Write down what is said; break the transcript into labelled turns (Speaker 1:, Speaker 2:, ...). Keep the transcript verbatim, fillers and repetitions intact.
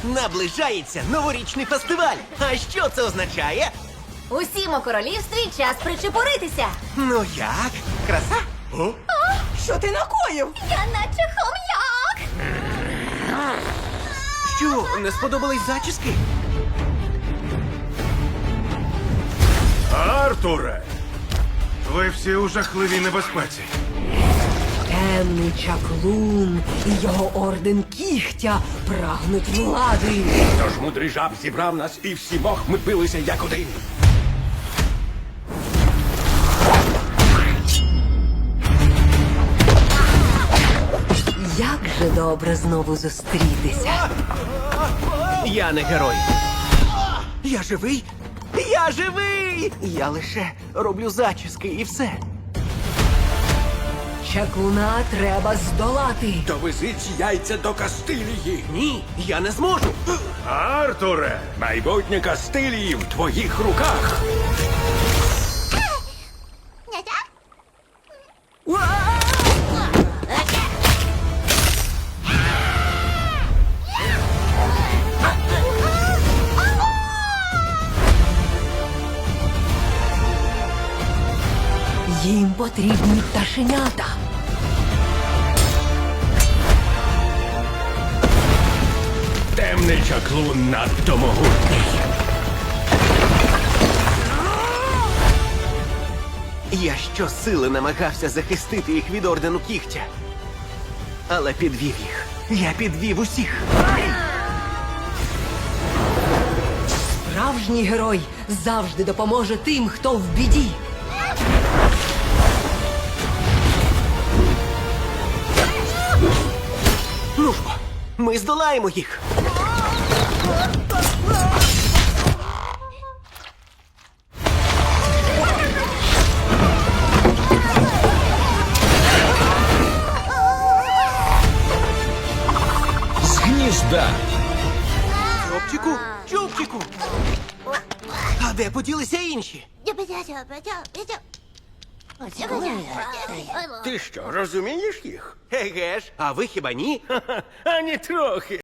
Speaker 1: Наближається новорічний фестиваль. А що це означає?
Speaker 2: Усім у королівстві час причепуритися.
Speaker 1: Ну як? Краса?
Speaker 3: Що ти накоїв?
Speaker 2: Я наче хом'як.
Speaker 1: Що, не сподобались зачіски?
Speaker 4: Артуре! Ви всі у жахливій небезпеці.
Speaker 3: Темний чаклун і його орден кігтя прагнуть влади.
Speaker 5: Тож мудрий жаб зібрав нас і всімох ми билися як один.
Speaker 3: Як же добре знову зустрітися.
Speaker 1: Я не герой. Я живий? Я живий! Я лише роблю зачіски і все.
Speaker 3: Чаклуна треба здолати.
Speaker 5: Довезіть яйця до Кастилії.
Speaker 1: Ні, я не зможу.
Speaker 4: Артуре!
Speaker 5: Майбутнє Кастилії в твоїх руках.
Speaker 3: Їм потрібні пташенята.
Speaker 5: Темний чаклун надто могутній.
Speaker 1: Я щосили намагався захистити їх від ордену кігтя. Але підвів їх. Я підвів усіх.
Speaker 3: Справжній герой завжди допоможе тим, хто в біді.
Speaker 1: Ну ж бо, ми здолаємо їх.
Speaker 5: З гнізда.
Speaker 1: Чупчику, чупчику. А де поділися інші?
Speaker 5: Ти що, розумієш їх?
Speaker 1: Еге ж, а ви хіба ні?
Speaker 5: Ані трохи.